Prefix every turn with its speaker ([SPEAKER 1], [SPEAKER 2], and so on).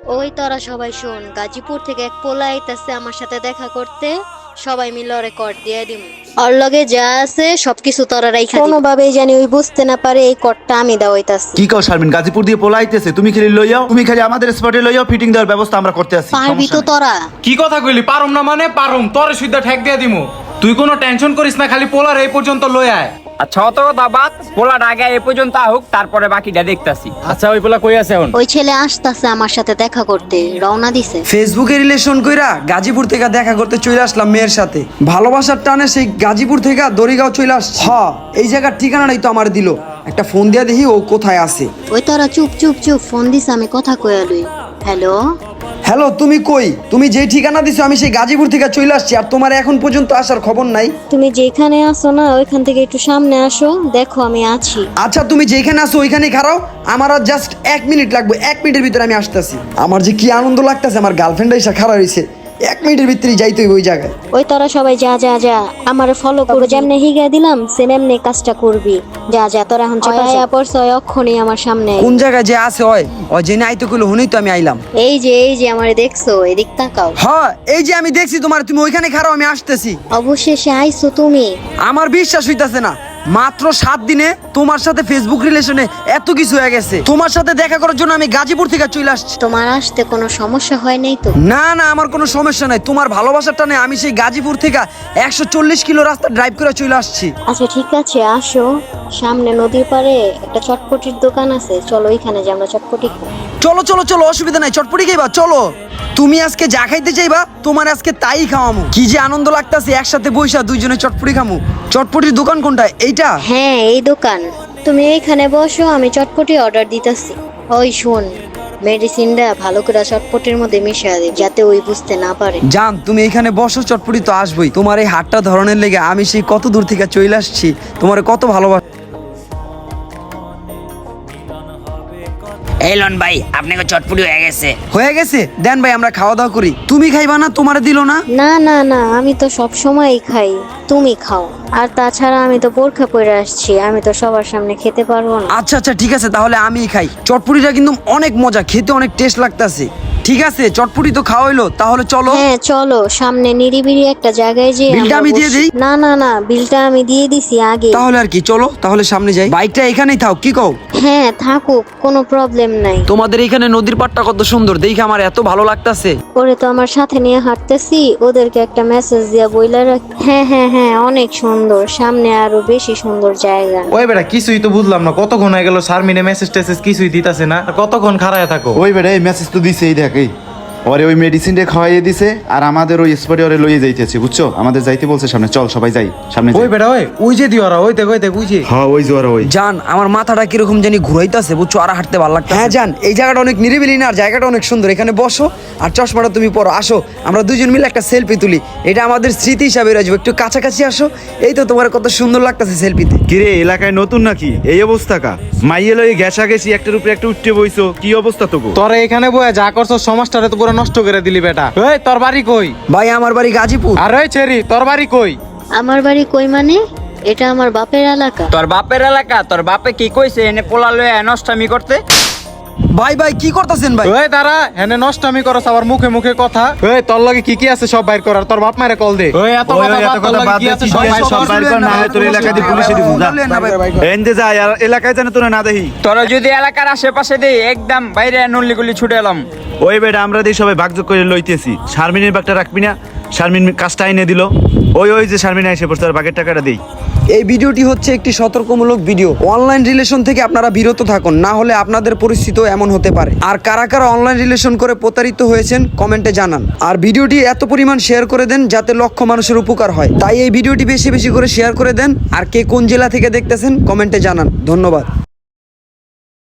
[SPEAKER 1] ওই তোরা সবাই শোন, গাজীপুর থেকে এক পোলা আইতাছে আমার সাথে দেখা করতে। সবাই মিলে ওরে কর দিয়ে দিম। ওর লগে যা আছে সবকিছু তোরা রাইখা দিবি। কোনোভাবেই জানি ওই বুঝতে না পারে এই করটা আমি দেওয়াইতাছি।
[SPEAKER 2] কি কও শারমিন, গাজীপুর দিয়ে পোলাইতেছে, তুমি খালি লইয়াও, তুমি খালি আমাদের স্পটে লইয়াও, ফিটিং দেওয়ার ব্যবস্থা আমরা করতে আছি।
[SPEAKER 1] পারবি তো তোরা?
[SPEAKER 3] কি কথা কইলি? পারুম না মানে পারুম, তোরে সুদ্ধা ঠেক দিয়ে দিমু। তুই কোনো টেনশন করিস না, খালি পোলার এই পর্যন্ত লই আয়।
[SPEAKER 4] আচ্ছা অত কথা বাদ, পোলাটা আগে এ পর্যন্ত হোক, তারপরে বাকিটা দেখতাছি।
[SPEAKER 3] আচ্ছা ওই পোলা কই আছে এখন?
[SPEAKER 1] ওই ছেলে আসতাছে আমার সাথে দেখা করতে, রওনা দিছে।
[SPEAKER 5] ফেসবুকে রিলেশন কইরা গাজীপুর থেকে দেখা করতে চলে আসলাম মেয়ের সাথে। ভালোবাসার টানে সেই গাজীপুর থেকে দড়িগাঁও চলে আস। এই জায়গার ঠিকানাটাই তো আমার দিল। একটা ফোন দিয়া দেখি ও কোথায় আছে।
[SPEAKER 1] ওই তোরা চুপ চুপ চুপ, ফোন দিস, আমি কথা কইয়া লই। হ্যালো
[SPEAKER 5] হ্যালো, তুমি কই? তুমি যেই ঠিকানা দিছো আমি সেই গাজীপুর থেকে চলে আসছি, আর তোমার এখন পর্যন্ত আসার খবর নাই।
[SPEAKER 1] তুমি যেখানে আসো না ওইখান থেকে একটু সামনে আসো, দেখো আমি আছি।
[SPEAKER 5] আচ্ছা তুমি যেখানে আসো ওইখানেই খাড়াও, আমার আর জাস্ট 1 মিনিট লাগবে। 1 মিনিটের ভিতরে আমি আসতেছি। আমার যে কি আনন্দ লাগতেছে, আমার গার্লফ্রেন্ড এসে খাড়া রয়েছে। 1 মিনিটের ভিতরেই যাইতে হইব ওই জায়গায়।
[SPEAKER 1] ওই তোরা সবাই যা যা যা, আমারে ফলো করো। যেমনে হিগা দিলাম সেম এমনি কাজটা করবি। যা যা তোরা এখন চাপায়া পড়ছ, অক্ষণই আমার সামনে।
[SPEAKER 5] কোন জায়গায় যে আছে ওই জেনে আইতে কইলো, হুনেই তো আমি আইলাম।
[SPEAKER 1] এই যে আমারে দেখছো, এদিক তাকাও।
[SPEAKER 5] হ্যাঁ এই যে আমি দেখছি তোমার, তুমি ওইখানে খাড়াও, আমি আসতেছি।
[SPEAKER 1] অবশেষে আইছো তুমি।
[SPEAKER 5] আমার বিশ্বাস হইতাছে না, মাত্র 7 দিনে তোমার সাথে ফেসবুক রিলেশনে এত কিছু হয়ে গেছে। তোমার সাথে দেখা করার জন্য আমি গাজীপুর থেকে চলে আসছি।
[SPEAKER 1] তোমার আসতে কোনো সমস্যা হয় নাই তো?
[SPEAKER 5] না না, আমার কোনো সমস্যা নাই। তোমার ভালোবাসার টানে আমি সেই গাজীপুর থেকে 140 কিলো রাস্তা ড্রাইভ করে চলে আসছি।
[SPEAKER 1] আচ্ছা ঠিক আছে, আসো। সামনে নদীর পাড়ে একটা চটপটির দোকান আছে, চলো ওইখানে যে আমরা চটপটি খাই।
[SPEAKER 5] চলো চলো চলো, অসুবিধা নাই, চটপটি খাইবা চলো। তুমি আজকে যা খাইতে চাইবা তোমার আজকে তাই খাওয়ামু। কি যে আনন্দ লাগতাছে, একসাথে বইসা দুইজনে চটপটি খামু। চটপটির দোকান কোনটা? এইটা?
[SPEAKER 1] হ্যাঁ এই দোকান। তুমি এইখানে বসো, আমি চটপটি অর্ডার দিতেছি। ওই শোন, মেডিসিনটা ভালো করে চটপটির মধ্যে মিশিয়ে দে, যাতে ওই বুঝতে না পারে।
[SPEAKER 5] জান তুমি এখানে বসো, চটপটি তো আসবই। তোমার এই হাতটা ধরনের লেগে আমি সেই কত দূর থেকে চলে আসছি, তোমার কত ভালোবাসা।
[SPEAKER 4] এই লন ভাই, আপনাকে চটপটি হয়ে গেছে।
[SPEAKER 5] হয়ে গেছে, দেন ভাই আমরা খাওয়া দাওয়া করি। তুমি খাইবা না? তোমারে দিল না?
[SPEAKER 1] না না না, আমি তো সব সময়ই খাই, তুমি খাও। আর তাছাড়া আমি তো বোরখা পরে আসছি, আমি তো সবার সামনে খেতে পারবো না।
[SPEAKER 5] আচ্ছা আচ্ছা ঠিক আছে, তাহলে আমিই খাই। চটপটিটা কিন্তু অনেক মজা, খেতে অনেক টেস্ট লাগতাছে। ঠিক আছে, চটপটি তো খাওয়া হইলো, তাহলে চলো।
[SPEAKER 1] হ্যাঁ চলো, সামনে নিরিবিলি একটা জায়গায় যে
[SPEAKER 5] বিলটা আমি দিয়ে দিই?
[SPEAKER 1] না না না, বিলটা আমি দিয়ে দিছি আগে।
[SPEAKER 5] তাহলে আর কি, চলো তাহলে সামনে যাই। বাইকটা এখানেই থাক, কি কও?
[SPEAKER 1] হ্যাঁ থাকুক, কোনো প্রবলেম নাই।
[SPEAKER 5] তোমাদের এখানে নদীর পাড়টা কত সুন্দর, দেখে আমার এত ভালো লাগতাছে।
[SPEAKER 1] ওরে তো আমার সাথে নিয়ে হাঁটতেছি, ওদেরকে একটা মেসেজ দিয়া বইলা রাখ। হ্যাঁ হ্যাঁ হ্যাঁ, অনেক সুন্দর, সামনে আরো বেশি সুন্দর জায়গা।
[SPEAKER 3] ওই বেটা কিছুই তো বুঝলাম না, কতক্ষণ হয়ে গেল শারমিনে মেসেজ টেসেজ কিছুই দিতাছে না, আর কতক্ষণ খাড়ায় থাকো?
[SPEAKER 2] ওই বেড়ে এই মেসেজ তো দিছে, এই দেখ, এই ওরে ওই মেডিসিনটা খাওয়াইয়ে দিছে, আর আমাদের ওই স্পটে ওরে লইয়ে যাইতেছে, বুঝছো? আমাদের যাইতে বলছে সামনে, চল সবাই যাই সামনে।
[SPEAKER 3] ওই বেটা ওই যে দিওরা, ওই দেখ ওই যে।
[SPEAKER 2] হ্যাঁ ওই যে ওরা ওই।
[SPEAKER 5] জান আমার মাথাটা কিরকম জানি ঘুরাইতাছে, বুঝছো? আর হাঁটতে ভালো লাগছে। হ্যাঁ জান, এই জায়গাটা অনেক নিরিবিলি না, আর জায়গাটা অনেক সুন্দর। এখানে বসো আর চশমাটা তুমি পরো, আসো আমরা দুজন মিলে একটা সেলফি তুলি। এটা আমাদের স্মৃতি হিসাবে রাখবো। একটু কাছাকাছি আসো। এই তো তোমার কত সুন্দর লাগতেছে সেলফিতে।
[SPEAKER 2] কিরে এলাকায় নতুন নাকি এই অবস্থা? কা মাইয়ে লই ঘেঁষা গেছি, একটার উপরে একটা উঠতে বইছো, কি অবস্থা তোকে?
[SPEAKER 3] তোরা এখানে বয়ে যা করছো সমাজটারে তো পুরো নষ্ট করে দিলি বেটা। ওই তোর বাড়ি কই?
[SPEAKER 5] ভাই আমার বাড়ি গাজীপুর।
[SPEAKER 3] আর ওই ছেড়ি, তোর বাড়ি কই?
[SPEAKER 1] আমার বাড়ি কই মানে? এটা আমার বাপের এলাকা।
[SPEAKER 4] তোর বাপের এলাকা? তোর বাপে কি কইছে এনে পোলা লয়ে নষ্টামি করতে?
[SPEAKER 5] ভাই ভাই কি করতেছেন ভাই?
[SPEAKER 3] ওই দাঁড়া, হেনে নষ্টামি করছ আবার মুখে মুখে কথা। ওই তোর লগে কি আছে সব বাইর করার, তোর বাপ মারে কল দে। ওই এত কথা বাদ, তোর লগে কি আছে সব বাইর কর।
[SPEAKER 2] না হয় তোর এলাকায় দিয়ে পুলিশে দিব যা। এন্ডে যা, আর এলাকায় জানে তোরা না দেখি।
[SPEAKER 4] তোরা যদি এলাকার আশেপাশে দেই একদম বাইরে নল্লি গুলি ছুটে এলাম।
[SPEAKER 2] ওই বেটা আমরা দিয়ে সবাই ভাগযোগ করে লইতেছি। শারমিনের বাগটা রাখবি না? শারমিন কাজটা এনে দিল। ওই যে শারমিন এসে পড়ছে, তার বাগের টাকাটা দেই।
[SPEAKER 5] এই ভিডিওটি হচ্ছে একটি সতর্কমূলক ভিডিও। অনলাইন রিলেশন থেকে আপনারা বিরত থাকুন, না হলে আপনাদের পরিস্থিতিও এমন হতে পারে। আর কারা কারা অনলাইন রিলেশন করে প্রতারিত হয়েছেন কমেন্টে জানান। আর ভিডিওটি এত পরিমাণ শেয়ার করে দেন যাতে লক্ষ মানুষের উপকার হয়। তাই এই ভিডিওটি বেশি বেশি করে শেয়ার করে দেন। আর কে কোন জেলা থেকে দেখতেছেন কমেন্টে জানান। ধন্যবাদ।